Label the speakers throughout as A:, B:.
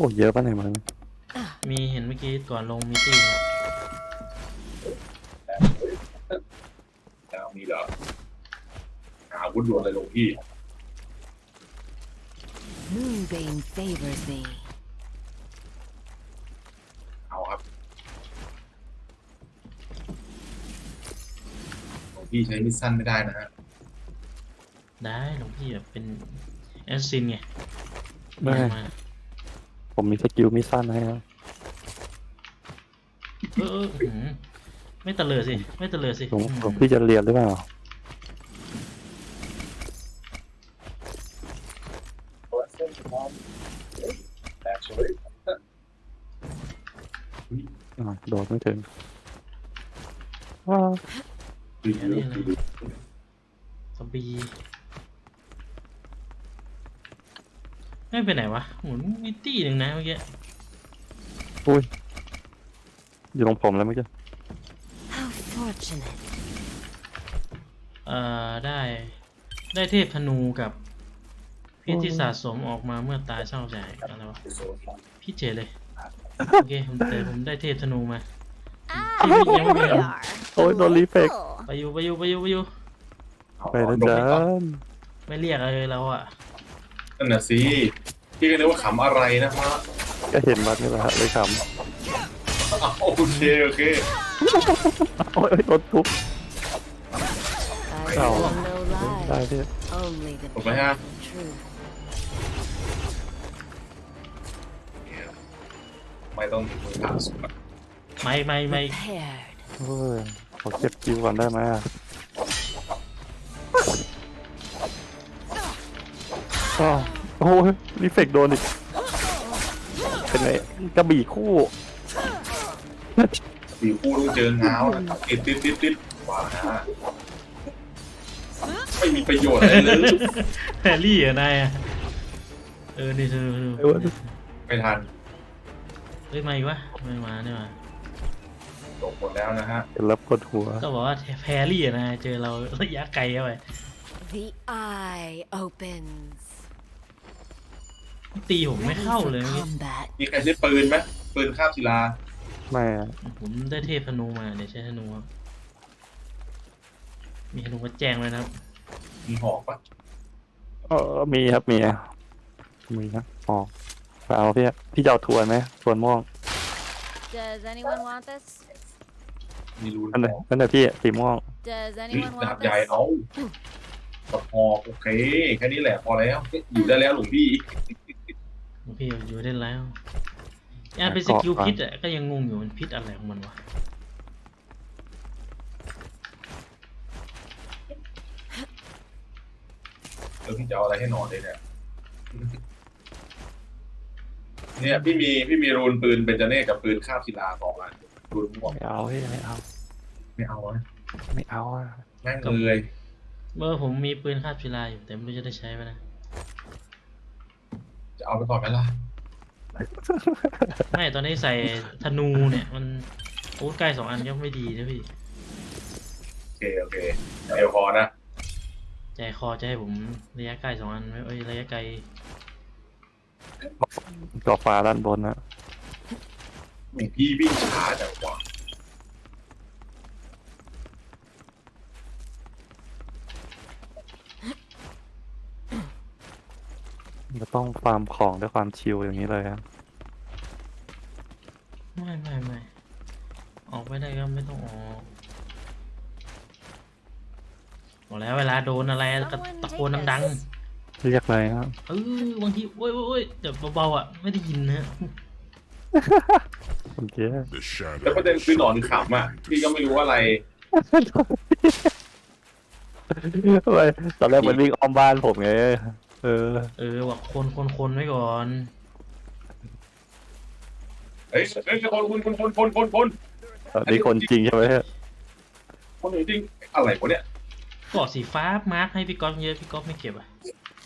A: เยอะป่ะไหนมัน
B: มีเห็นเมื่อกี้ก่อนลงมีตี้
C: แล้วมีเหรออาวุธด่วนเลยหลวงพี่
D: Moonbane favors thee.
C: เอาครับหลวงพี่ใช้มิดสั้นไม่ได้นะฮะ
B: ได้หลวงพี่แบบเป็นแอสซินไง
A: ไม่
B: มา
A: ผมมีสกิลมิสั้นให้ครับ
B: ไม่ตะเลิดสิไม่ตะเลิดสิ
A: หลวงพี่จะเรียนหรือเปล่าโดดไม่ถึงว้าว
C: คือ
B: อันนี้อะไรซอมบี้ไม่ไปไหนวะหมุนมีตี้หนึ่งนะเมื่อกี้
A: อุ้ยอยู่ตรงผมแล้วเมื่อกี้
D: How fortunate.
B: ได้เทพธนูกับพิษที่สะสมออกมาเมื่อตายเศร้าใจอะไรวะพี่เจเลยโอเคผมได้เทพธนูมา
D: Ah,
B: Here we
D: there they
B: are.
D: are.
A: โอ้ยโดนรีเฟก
D: Delightful.
B: ไปอยู่
A: ไปนะจ๊ะ
B: ไม่เรียกอะไรเราอ่ะ
C: นั่นน่ะสิพี่ก็นึกว่าขำอะไรนะฮะ
A: ก็เห็นมันนี่แหละฮะเลยข
C: โอเคโอเค
A: ำโอ้ยโดนทุบ
D: I
A: Oh.
D: tell no
A: ได้
D: lies.
A: พี่
D: Only the
C: ถูกไหมฮะ
D: truth.
C: ไม่ต้องถึงมือถามสุด
B: ไม่
D: Prepared.
A: เฮ้ยขอเก็บคิวก่อนได้ไหมอ่ะอ้าวโอ้ยรีเฟกโดนอีกเป็นไงกระบี่คู่
C: สี่คู่ต้องเจอเงานะครับติดว้านะไม่มีประโยชน์อะไรเลย
B: แฮร์รี่อะนายอะนี่ดู
A: เอ้ย
C: ไม่ทัน
B: เฮ้ยมาอีกวะไม่มาเนี่ยมา
C: จบหมดแล้วนะฮะ
A: เห็นแล้วปวดหัว
B: ก็บอกว่าแฮร์รี่อะนายเจอเราระยะไกลเข้าไป
D: The eye opens.
B: ตีผมไม่
D: Ready
B: เข้า
D: for
B: เลยเมื่อกี้
D: combat.
C: มีใครใช้ปืนไหมปืนคาบศิลา
A: ไม่อะ
B: ผมได้เทพธนูมาเดี๋ยวใช้ธนูครับมีธนูมาแจ้งเลยนะครับ
C: มีหอกปะ
A: มีครับมีนะอ๋อไปเอาพี่จะเอาทวนไหมทวนม่วง
D: Does anyone want this?
C: มีรูน
A: นั่น
C: ห
A: เลย
C: อก
A: นั่นเลยพี่สีม่วง
D: Does
C: เฮ้ย
D: anyone
C: ดาบ
D: want
C: ใหญ่
D: this?
C: เอากดหอกโอเคแค่นี้แหละพอแล้วอยู่ได้แล้วหลวงพี่
B: หลวงพี่อยู่ได้แล้วอันเป็นสกิลพิษอ่ะก็ยังงงอยู่มันพิษอะไรของมันวะ
C: แล้วพี่จะเอาอะไรให้นอนเลยเนี่ยเนี่ยพี่มีรูนปืนเบนจาเน่กับปืนคาบศิลา2 อันรูนม่วง
A: ไม่เอาพี่ไม่เอา
C: ไม่เอาอะ
A: ไม่เอาอ่ะ
C: แม่งเลย
B: เมื่อผมมีปืนคาบศิลาอยู่แต่ไม่รู้จะได้ใช้ไหมนะ
C: จะเอาไปก่อนไหมล่ะ
B: ไม่ตอนนี้ใส่ธนูเนี่ยมันอาวุธใกล้2 อันก็ไม่ดีนะพี่
C: โอเคเดี๋ยวพอนะ
B: ใจคอจะให้ผมระยะใกล้2 อันไม่ระยะไกล
A: กรอบฟ้าด้านบนนะ
C: หลวงพี่วิ่งช้าจังวะ
A: จะต้องฟาร์มของด้วยความชิลอย่างนี้เลยครับ
B: ไม่ออกไม่ได้ก็ไม่ต้องออกบอกแล้วเวลาโดนอะไรก็ตะโกนดัง
A: เรียกเลยครับ
B: ๆบางทีโอ้ยแต่เบาๆอ่ะไม่ได้ยินนะ
A: โอเค
E: The shadow
C: แล้วประเด็นคือหนอนขำอ่ะพี่ก็ไม่รู้อะไร
A: ทำไมตอนแรกมันวิ่งอ้อมบ้านผมไง
B: ว่าคนไว้ก่อน
C: เฮ้ยคน
A: ตอนนี้คนจริงใช่ไหม
C: คนจริงอะไรวะเนี่ย
B: ก็สีฟ้ามาร์คให้พี่ก๊อฟเยอะพี่ก๊อฟไม่เก็บอ่ะ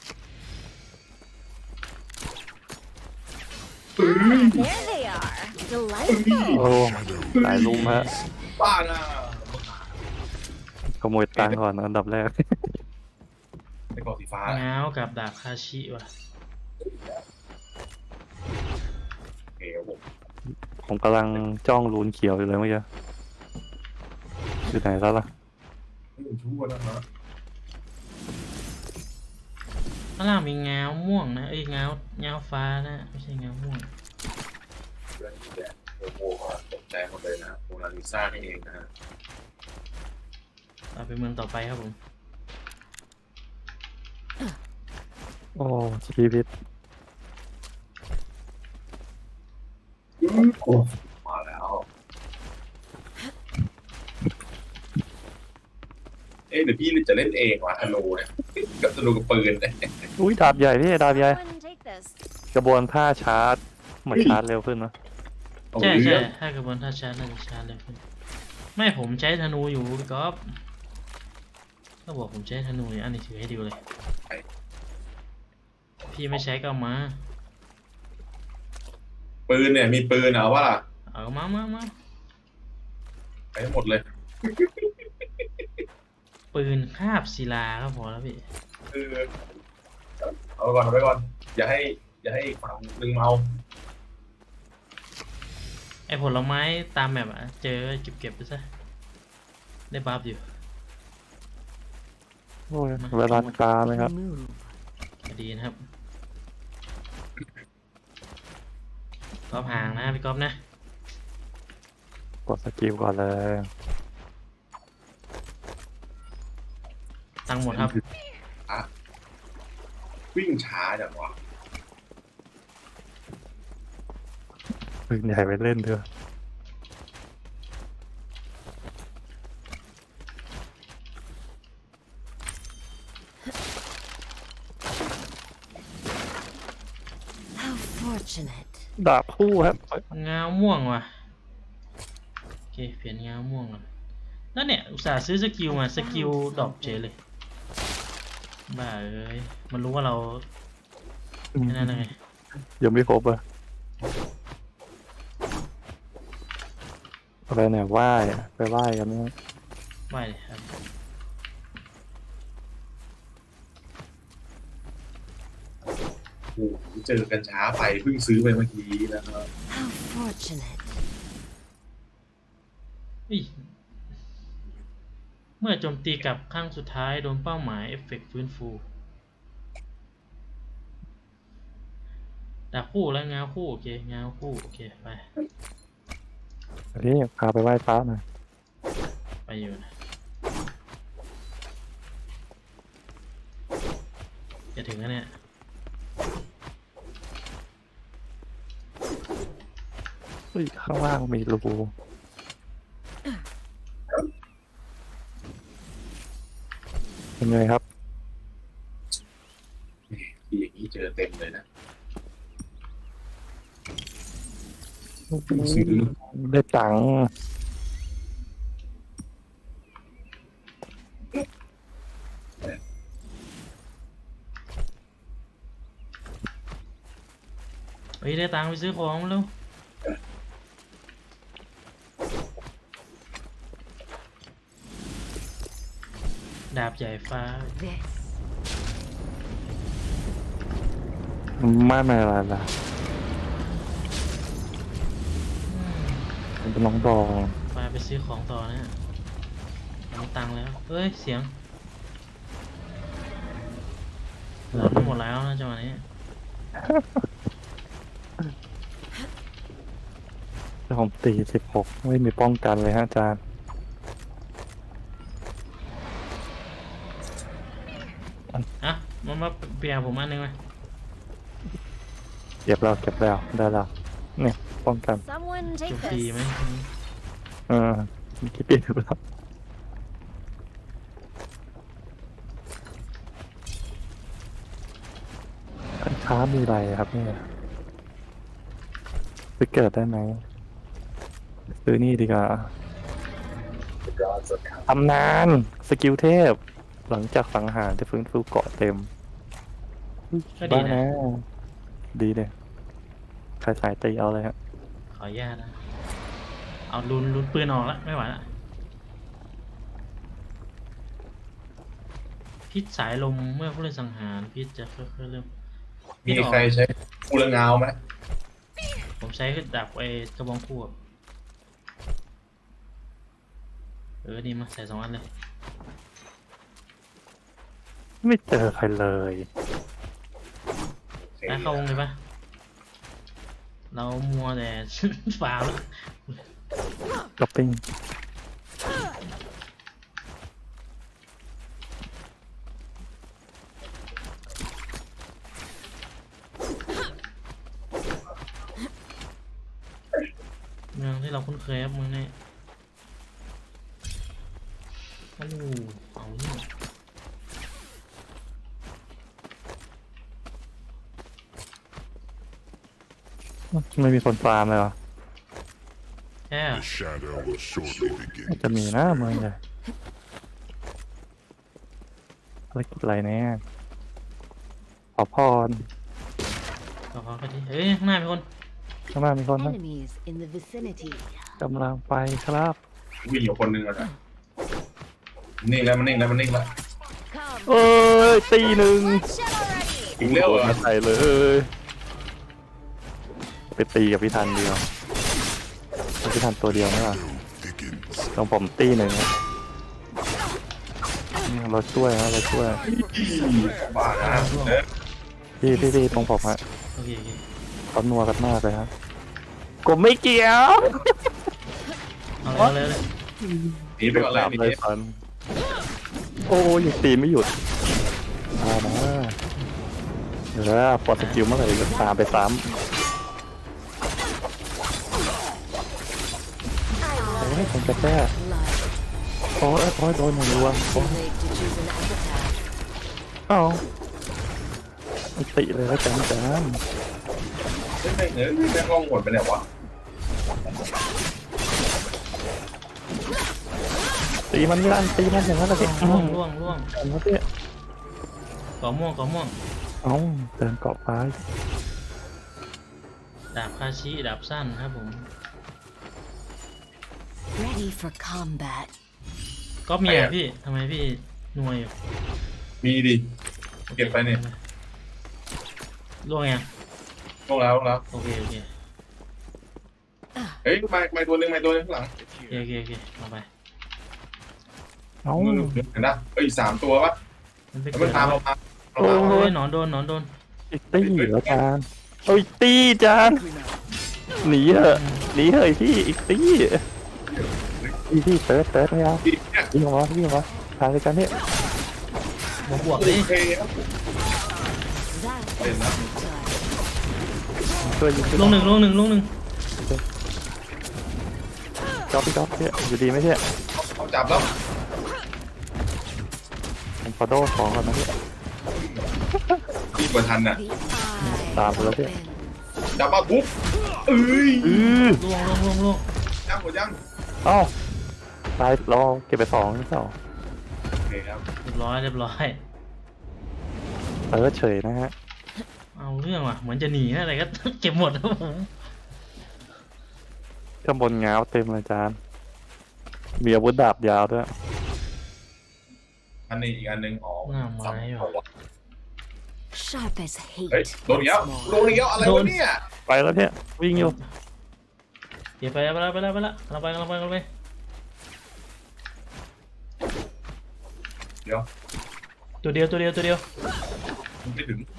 D: Ah, there they are. Delightful.
A: โอ้หลายลุมฮะ
C: บ้าน่ะ
A: ขโมยตังค์ก่อนอันดับแรก
C: ไอ้กอสีฟ้า
B: ง้าวกับดาบคาชิว่ะ
A: ผมกำลังจ้องรูนเขียวอยู่เลยเมื่อกี้อยู่ไหนแล้วล่ะ
C: ไม่ชั่วนะฮะ
B: ข้างล่างมีเงาม่วงนะเอ้ยเงาฟ้านะไม่ใช่เงาม่วง
C: เรื่องนี้แหละโอ้โหตกใจหมดเลยนะโมนาลิซานี่เองนะฮะ
B: เราไปเมืองต่อไปครับผม
A: โอ้ชีวิต
C: โอ้มาแล้วเอ๊ะเดี๋ยวพี่จะเล่นเองว่ะธนูเนี่ยกับธนูกับปืนเนี่ย
A: อุ้ยดาบใหญ่พี่ดาบใหญ่
D: Someone take this.
A: กระบวนท่าชาร์จเหมือนชาร์จเร็วขึ้นนะ
C: เอา
B: ใช่
C: เรื่
B: ใช่
C: อง
B: ถ้ากระบวนท่าชาร์จน่าจะชาร์จเลยขึ้นไม่ผมใช้ธนูอยู่พี่ก๊อฟก็บอกผมใช้ธนูอยู่อันนี้ถือให้ดูเลย พี่ไม่ใช้ก็เอามา
C: ปืนเนี่ยมีปืนเอาว่าล่ะ
B: เอามา
C: ไปให้หมดเลย
B: ปืนคาบศิลาก็พอแล้วพี่
C: คือเอาไปก่อนเอาไปก่อนอย่าให้ฝั่งหนึ่งเมา
B: ไอผลไม้ตามแมปอะเจอเก็บไปซะได้บัฟอยู่
A: โอ้ยเวลาคาไหมครับ
B: ดีนะครับก๊อฟห่างนะพี่ก๊อฟนะ
A: กดสกิลก่อนเลย
B: ตังค์หมดครับ
C: วิ่งช้าจังวะ
A: ปืนใหญ่ไปเล่นเถอะ
D: How fortunate.
A: ดาบคู่ครับ
B: เงาม่วงว่ะโอเคเปลี่ยนเงาม่วงก่อนแล้วเนี่ยอุตส่าห์ซื้อสกิลมาสกิลดรอปเฉยเลยบ้าเอ้ยมันรู้ว่าเราแค่นั้นไง
A: ยังไม่ครบอ่ะอะไรเนี่ยไหว้อะไปไหว้กันเนี่ย
B: ไม่เลยครับ
C: โอ้โหเจอกันช้าไปเพิ่งซื้อไปเมื่อกี้นะครับ
D: How fortunate.
B: อุ๊ยเมื่อโจมตีกลับครั้งสุดท้ายโดนเป้าหมายเอฟเฟกต์ฟื้นฟูดาบคู่แล้วเงาคู่โอเคเงาคู่โอเคไป
A: นี่พาไปไหว้พระหน่อย
B: ไปอยู่นะจะถึงแล้วเนี่ย
A: เฮ้ยข้างล่างมีรูเป็นไงครับ
C: ทีอย่างนี้เจอเต็มเลยนะ
A: ได้ตังค์
B: เฮ้ยได้ตังค์ไปซื้อของมาแล้วดาบใหญ่ฟ้า
D: This.
A: ไม่อะไรล่ะมันเป็นน้องดอง
B: ไปซื้อของต่อนะฮะมีตังค์แล้ว เฮ้ย เสียงเราทั้งหมดแล้วนะจังหวะนี้
A: แต่ผมตี16ไม่มีป้องกันเลยฮะอาจารย์
B: อ่ะมาเปลี่ยนผมอันหนึงไหม
A: เก็บแล้วได้แล้วเนี่ยป้องกัน
D: Someone
B: จ
D: take
B: บดีไหม
D: this.
A: มีคิดเปลี่ยนไปแล้วอันช้ามีอะไรครับเนี่ยซื้อเกิดได้ไหมซื้อนี่ดีกว่าตำนานสกิลเทพ หลังจากสังหารจะฟื้นฟูเกาะเต็ม
B: ก็ดี
A: บ้า
B: นะ
A: ดีเลยใครสายตีเอาเลยฮะ
B: ขออนุญาตนะ เอาลุนปืนออกแล้วไม่ไหวละพิษสายลมเมื่อผู้เล่นสังหารพิษจะค่อยๆเริ่มพิษ
C: มี
B: ออก
C: ใครใช้กูละเงาไหม
B: ผมใช้ดาบไอ้กระบองคู่อะนี่มาใส่2 อันเลย
A: ไม่เจอใครเลย
B: ไปเข้าวงเลยปะเรามัวแต่ ฟาร์มแล้ว
A: ก็ปิ้ง
B: เมืองที่เราคุ้นเคยครับเมืองนี้โอ้เอาเนี่ย
A: ไม่มีคนฟาร์มเลยเหรอ
B: แค่
E: The shadow will shortly begin.
A: จะมีนะเมืองใหญ่อะไรกินอะไรเนี่ยขอพร
B: ขอไปดิเฮ้ยข้างหน้ามีคน
A: ข้างหน้ามีคนนะ
D: Enemies in the vicinity.
A: กำลังไปครับ
C: วิ่งอยู่คนหนึงอะนะนิ่งแล้วมันนิ่งแล้วมันนิ่งแล้ว
D: Come.
A: เอ้ยตีหนึ่ง
D: Shell already.
C: ถึงเร็ว
A: โดน
C: อ่ะ
A: มาใส่เลย ไปตีกับพี่ทันเดียวพี่ทันตัวเดียวไม่หรอ
E: Thickens.
A: ตรงผมตีหนึ่งนะนี่เราช่วยนะเราช่วย
C: บ้านะเด้อ
A: พี่ตรงผมฮะ
B: โอเคโอเค
A: เขานัวกันมากเลยฮะผมไม่เกี่ยว
B: เอาเลยเลย
C: หนีไปก่อนเลยหนี
A: เลยฟันโอ้ยังตีไม่หยุดมานะเดี๋ยวนะปลดสกิลเมื่อไหร่ก็ตามไปซ้ำโอ้ยผมจะแก้
D: Blood.
A: โอ้ยโดนหนึ่งรวมโอ้ย
D: Too late to choose an epitaph.
A: เอ้าไม่ติเลยแล้วจัง
C: ไม่เนื้อแม่งล่องหมดไปไหนวะ
A: ตีมันไม่ได้ตีมันอย่างนั้นเลย
B: ล่วงล่วงล่วง
A: อันนั้นเนี่ย
B: ก่อม่วงก่อม่วง
A: เอ้าเดินเกาะฟ้า
B: ดาบคาชิดาบสั้นครับผม
D: Ready for combat.
B: ก็มีอ่ะพี่ทำไมพี่นัวอยู่
C: มีดิ เก็บไปเนี่ย
B: ล่วงยัง
C: ลงแล้วลงแล้ว
B: โอเคโอเค
C: เฮ้ยไม่ตัวหนึงข้างหลัง
B: โอเคโอเคเอาไป
A: เอ้า
C: เห็นนะเอ้ย3 ตัวปะ
B: มันไป
C: แล้ว
B: เกิ
C: มัน
B: ด
C: ตาม
B: แล้ว
C: เรามา
A: โอ้
B: โอ้ยหนอนโดนหนอนโดน
A: อีกตีแล้วจานโอ้ยตีจานหนีเหอะหนีเหอะพี่อีกตีพี่เติร์ดไม่เอา
C: อีกเนี่ย
A: วิ่งออกมาทางเดียวกันเนี่ย
B: บวก
C: โอ
B: ดิ
C: เคครับ
D: That
C: Hey,
D: was
C: man.
D: done.
A: ช่วยยิง
B: ลงหนึ่ง
A: จ๊อบพี่จ๊อบเนี่ยอยู่ดีไหมเนี่ย
C: เขาจับแล้ว
A: ผมขอโดนของก่อนนะเนี่ย
C: อีกกว่าทันน่ะ
D: The eye
A: Tạm rồi đấy.
D: opens.
C: จับมาปุ๊บเอ้ย
B: ล่วงล่วง
C: ยังหมดยัง
A: เอ้าตายรอเก็บไป2นี่เปล่า
C: โอเคครับ
B: เรียบร้อย
A: เติร์ดเฉยนะฮะ
B: เอาเรื่องว่ะเหมือนจะหนีนะอะไรก็ เก็บหมดครับผม
A: ข้างบนง้าวเต็มเลยจานมีอาวุธดาบยาวด้วย
C: อันนี้อีกอันหนึ่งอ๋อ
B: หน้าไม้ว่ะ
D: Sharp as
C: เฮ้ย
D: hate.
C: โดนอีกแล้วโดนอีกแล้วอะไรวะเนี่ย
A: ไปแล้วเนี่ยวิ่งอยู่
B: เดี๋ยวไปแล้วเราไปเราไป
C: เดี๋ยว
B: ตัวเดียว
C: มันไม่ถึง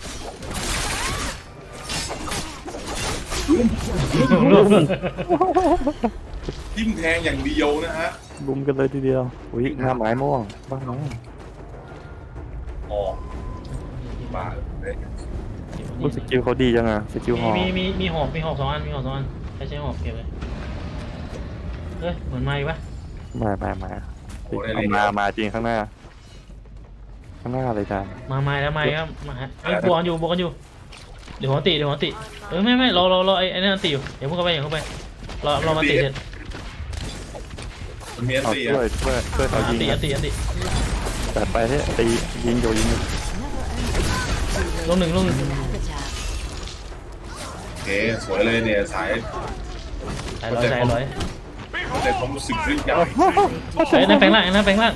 B: ล่วง
C: ทิ่มแทงอย่างเดียวนะฮะ
A: ลุมกันเลยทีเดียวอุ้ยหน้าไม้ม่วงบ้างนะ
C: ออกบ้าเลย
A: รู้สกิลเขาดีจังอะสกิลหอ
B: มีหอก2 อันใช้หอกเก็บเลยเฮ้ยเหมือนไม้ปะ
A: มาเอามาจริงข้างหน้าเลยจาน
B: มาไม้แล้วไม้ครับมาฮะไอ้บวกกันอยู่เดี๋ยวหัวติไม่รอไอ้นั่นติอยู่เดี๋ยวพวกเข้าไปรอมาติเสร็จ
C: มันมีอัน
A: เอา
C: ตี
A: ช่ว
C: อ่ะ
A: ยเขายิง
B: อันติ
A: แต่ไปเนี่ยตียิงอยู่
D: Never underestimate
B: ลงหนึ่ง
D: an epitaph.
C: โอเคสวยเลยเนี่ยสาย
B: ใส่ร้อย
C: แต่ความรู้สึกยิ่งใหญ่
B: เฮ้ยนั่นแปลงร่างหลังก่อน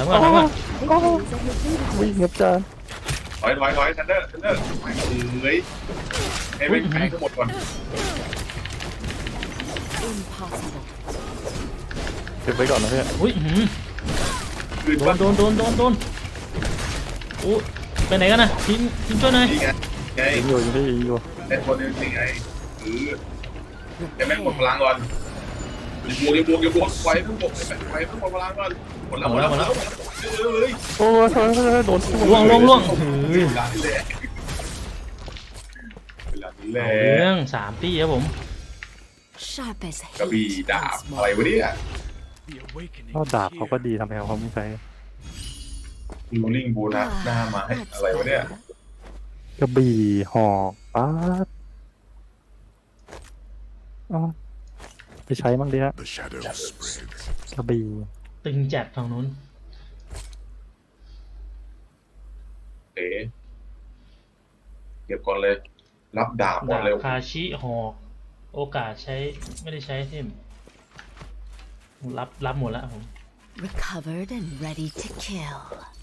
A: วิ่งครับจาน
C: ถอยทันเดอร์เอ้ยให้ไม่แพ้ทั้งหมดก่อน
D: Impossible.
A: เก็บไว้ก่อนนะเพื่อน
B: อุ้ยหืม
C: คืน
B: โด
C: บ้าน
B: โดนโอ้ไปไหนกันนะทิ้งช่วยหน่อย
C: นี่ไง
A: ยิงอยู่ยิงอยู่
C: เป็นคนนึงนี่ไงจะแม่งหมดพลังก่อนอย่าบวกไฟเพิ่งบวกไฟเพิ่งหมดพลังก่อนหมดแล้วเลย
A: โอ้ยโดน
B: ล่วงเฮ้ย
C: เวลานี้แหละเวลานี้แหละ
B: เอาเรื่อง3 ปีครับผม
D: Sharp as
C: กระบี่
D: hate.
C: ดาบอะไรวะเนี่ย
A: ก็ดาบเขาก็ดีทำไมเขาไม่ใช้
C: รูลิ่งโบนัสหน้าไม้อะไรวะเนี่ย
A: กระบี่หอกป๊าดอ๋อไปใช้บ้างดิฮะ
E: The shadow spreads.
A: กระบี่
B: ตึงจัดฝั่งนู้น
C: เอ๋เก็บก่อนเลย รับดาบก่อน
B: ดาบ
C: เร็ว
B: คาชิหอกโอกาสใช้ไม่ได้ใช้เทมรับหมดแล้วผม
D: Recovered and ready to kill.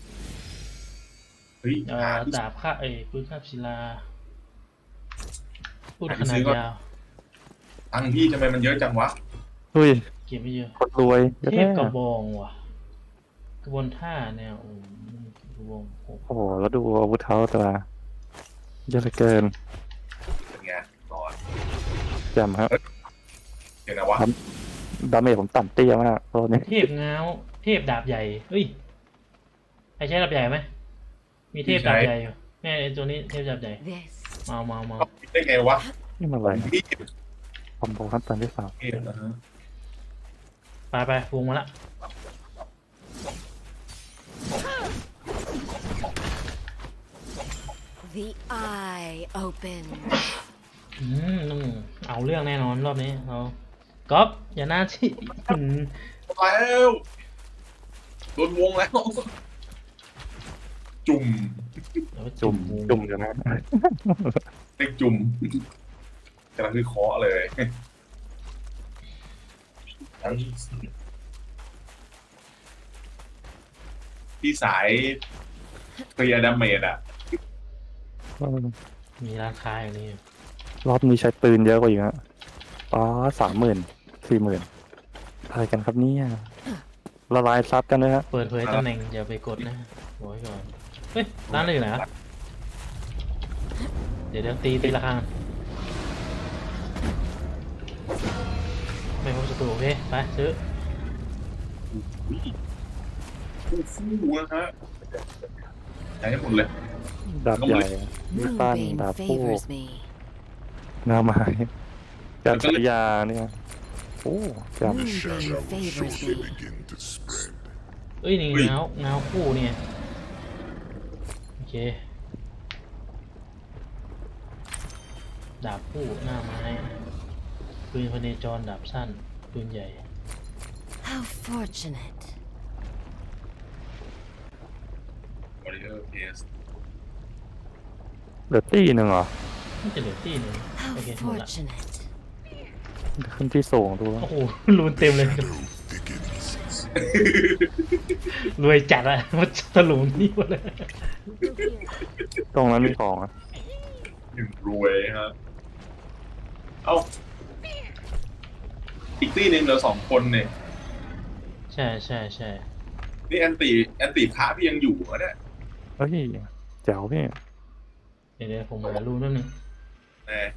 C: เฮ้ย
B: ดาบค่าปืนคาบศิลาพูดขนาดยาว
C: ตังค์พี่ทำไมมันเยอะจังวะ
A: เฮ้ย
B: เก็บไม่เยอะ
A: คนรวย
B: เทพกระบองว่ะกระบวนท่าแนวกระบองโอ้
A: โอ้โหแล้วดูอาวุธเขาแต่ละเยอะเหลือเกิน
C: เป็นไงนอน
A: แจมครับ
C: เห็นนะวะ
A: ดาเมจผมต่ำเตี้ยมากตัวนี้
B: เทพง้าวเทพดาบใหญ่เฮ้ยใครใช้ดาบใหญ่ไหมมีเทพดาบใหญ่อยู่แม่ไอ้ตัวนี้เทพดาบใหญ่
D: This
B: เมา
C: ได้ไงวะ
A: นี่มันอะไร
C: พี่
A: คอมโบขั้นตอนที่สาม
C: เห็นนะฮะ
B: ไปวงมาละ
D: the eye open.
B: ต้องเอาเรื่องแน่นอนรอบนี้เราก๊อฟอย่าหน้าที่
C: แล้วโดนวงแล้ว จุ่ม
A: จุ่มอยู่นะ
C: เล็กจุ่มกำลังคือเคาะเลยทั้งพี่สายเคลียร์ดาเมจอ่ะ
B: มีร้านค้าอย่างนี้
A: รอบนี้ใช้ปืนเยอะกว่าอีกฮะอ๋อ30,000 40,000อะไรกันครับเนี่ยละลายซับกันเลยฮะ
B: เปิดเผยตำแหน่งอย่าไปกดนะบอกไว้ก่อนเฮ้ยร้านอะไรอยู่ไหนอะเดี๋ยวตีละครั้งไม่พบศัตรูโอเคไปซื้อ
C: ฟูนะฮะใช้ให้หมดเลย
A: ดาบใหญ่มีสั้น
D: Moonbane
A: ดาบคู่
D: favors me.
A: หน้าไม้การใช้ยาเนี่ยโอ้จ
E: The
D: Moonbane
E: shadow
D: favors
E: shortly
D: me.
E: begin to spread.
B: เอ้ยนี่เงาคู่เนี่ยโอเคดาบคู่หน้าไม้ปืนพเนจรดาบสั้นปืนใหญ่
D: How fortunate.
C: บริเออร์เพส
A: เหลือตีหนึ่งเหรอ
B: นี่จะเหลือที่หนึ่ง
D: How
B: โอเคหมดละ
D: fortunate.
A: ขึ้นที่สูงดูแล้ว
B: โอ้โหรูนเต็มเลย
E: Shadow thickens.
B: รวยจัดอะมันถลุงนี่หมดเลย
A: ตรงนั้นมีของอะ
C: หนึ่งรวยฮะเอ้าอีกที่หนึ่งเหลือ2 คนเนี่ย
B: ใช่
C: นี่แอนตี้พระพี่ยังอยู่เหรอเนี่ย
A: เฮ้ยแจ๋วพี่
B: เดี๋ยวผมหารูนแป๊บนึง
C: แน่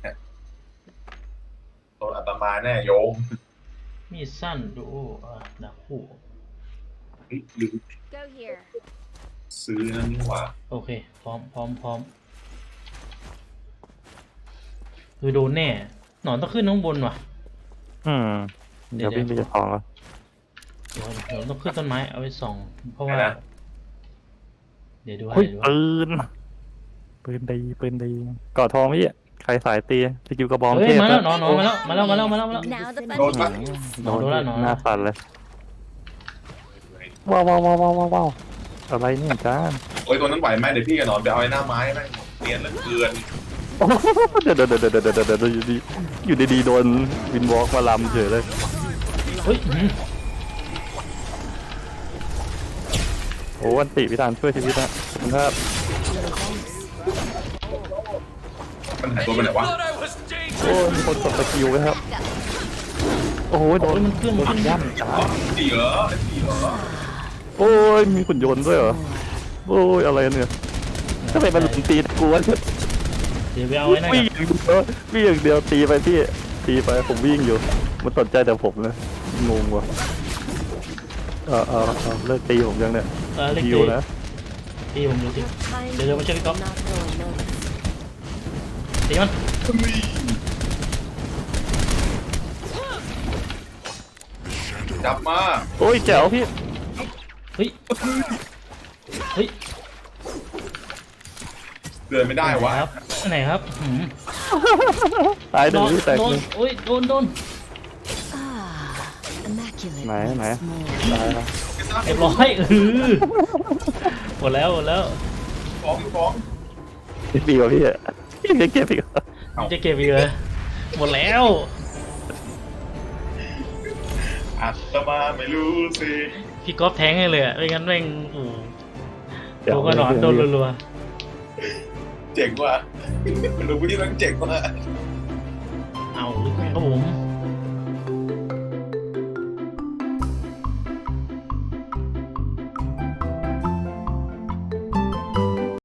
C: ตัวอาตมาแน่โยม
B: มีดสั้นดูดาบคู่
C: เฮ้ยลืม
D: Go here.
C: ซื้อนั่นนี่หว่า
B: โอเคพร้อมคือโดนแน่หนอนต้องขึ้นข้างบนว่ะ
A: เดี๋ยวพี่ไปจะของแล้ว
B: เดี๋ยวต้องขึ้นต้นไม้เอาไว้ส่องเพราะว่า
C: นะ
B: เดี๋ยวดู
A: เฮ้ย
B: ให้
A: ปืนดีกอดทองพี่ใครสายตีสกิลกระบอง
B: เฮ้
A: เท
B: ย
A: พ
B: มาแล้วนอนมาแล้ว
D: Now the fun
C: โดนปะ
D: begins.
A: โดน
B: โดนแล้ว
A: หน้าสั่นเลยว้าวอะไรเนี่ยจ้า
C: โอ้ยตัวนั้นไหวไหมเดี๋ยวพี่กับหนอนไปเอาไอ้หน้าไม้แม่งเนียนเหลือเกิน
A: เดี๋ยวอยู่ดีโดนวินวอล์กมาลำเฉยเลย
B: เฮ้ย
A: โอ้อันติพิธานช่วยชีวิตนะครับ
C: มันหายตัวไปไหนวะ
A: โอ้มีคนกดสกิลไว้ครับโอ้ยโดน
B: มันเครื่องมัน
A: ย่ำจ้า
C: สี่เหรอสี่เหรอ
A: โอ้ยมีขุนยนต์ด้วยเหรอโอ้ยอะไรเนี่ยทำไมมันตีกูวะ
B: เดี๋ยวไปเอาไว้นั่น
A: วิ่ง
B: ก่อน
A: อย่างเดียวตีไปพี่ตีไปผมวิ่งอยู่มันสนใจแต่ผมนะงงว่ะเลิกตีผมยังเนี่ย
B: เล็ก
A: ยิวนะ
B: ตีผมดูสิ
D: Kind
B: Để cho nó chơi cái cốc.
D: not going notice.
B: ตีมัน
C: จับมา
A: โอ้ยแจ๋วพี่
B: เฮ้ยเฮ้ย
C: เดินไม่ได้วะ
B: ครับไหนครับหืม
A: ตายหนึ่งพี่แตก
B: โด
A: ห
B: น
A: นึ่ง
B: โอ้ยโดน
D: Ah, immaculate.
A: Này,
D: once
A: này.
D: more.
A: ตายแล้ว
B: เรียบร้อยหมดแล้ว
C: ฟ้อง
A: พี่วะพี่พี่เก็บอีกเหรอ
B: จะเก็บอีกเลยหมดแล้ว
C: อัตมาไม่รู้สิ
B: พี่ก๊อฟแทงให้เลยอะไม่งั้นแม่งโอ้โห
A: แจ๋
B: โด
A: วน
B: กระหนอนโดนรัว
C: เจ๋งว่ะรู้พี่ต้องเจ๋งว่ะ
B: ๆเอาครับผม